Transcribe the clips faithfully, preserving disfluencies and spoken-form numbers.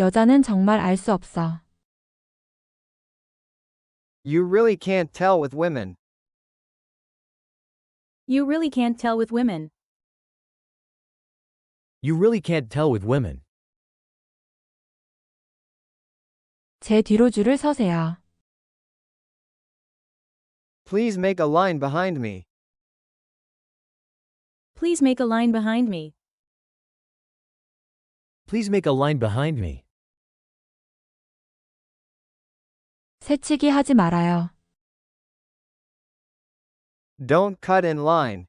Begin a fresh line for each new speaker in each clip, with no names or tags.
여자는 정말 알 수 없어.
You really can't tell with women.
You really can't tell with women.
You really can't tell with women.
제 뒤로 줄을 서세요.
Please make a line behind me.
Please make a line behind me.
Please make a line behind me.
새치기 하지 말아요.
Don't cut in line.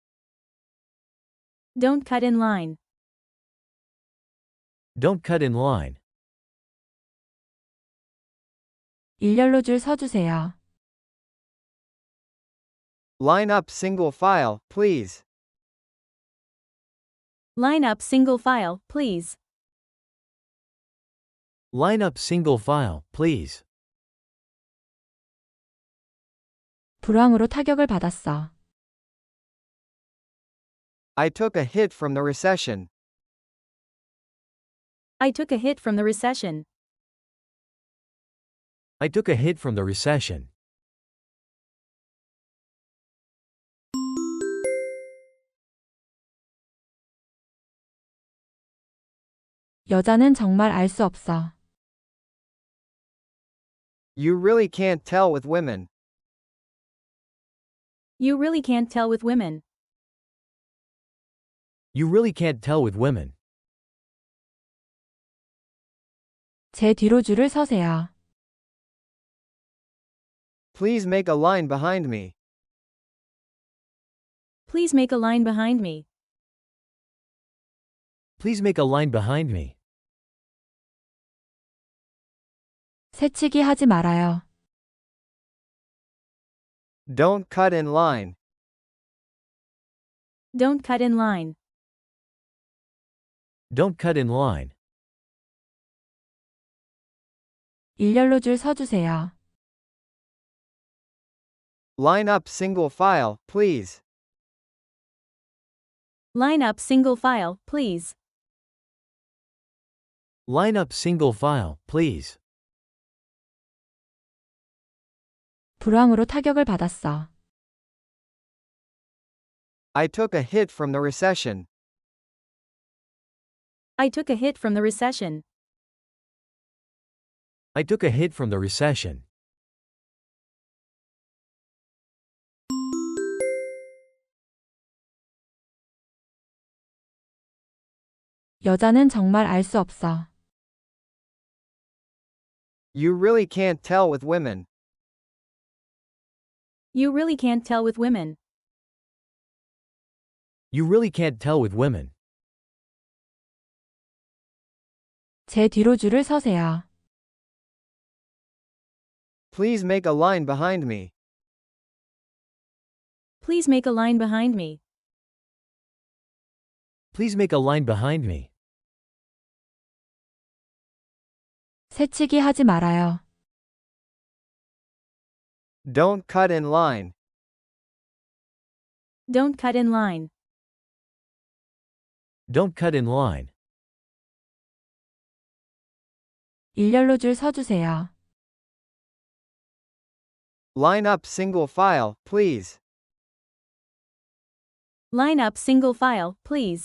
Don't cut in line.
Don't cut in line.
일렬로 줄 서주세요.
Line up single file, please.
Line up single file, please.
Line up single file, please.
불황으로 타격을 받았어.
I took a hit from the recession.
I took a hit from the recession.
I took a hit from the recession.
여자는 정말 알 수 없어.
You really can't tell with women.
You really can't tell with women.
You really can't tell with women.
제 뒤로 줄을 서세요.
Please make a line behind me.
Please make a line behind me.
Please make a line behind me.
새치기 하지 말아요.
Don't cut in line.
Don't cut in line.
Don't cut in line.
일렬로 줄 서주세요.
Line up single file, please.
Line up single file, please.
Line up single file, please.
불황으로 타격을 받았어.
I took a hit from the recession.
I took a hit from the recession.
I took a hit from the recession.
여자는 정말 알 수 없어.
You really can't tell with women.
You really can't tell with women.
You really can't tell with women.
제 뒤로 줄을 서세요.
Please make a line behind me.
Please make a line behind me.
Please make a line behind me.
새치기 하지 말아요.
Don't cut in line.
Don't cut in line.
Don't cut in line.
일렬로 줄 서주세요.
Line up single file, please.
Line up single file, please.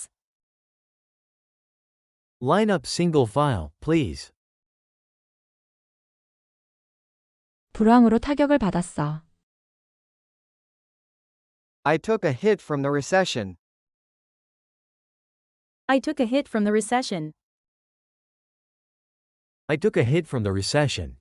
Line up single file, please.
불황으로 타격을 받았어.
I took a hit from the recession.
I took a hit from the recession.
I took a hit from the recession.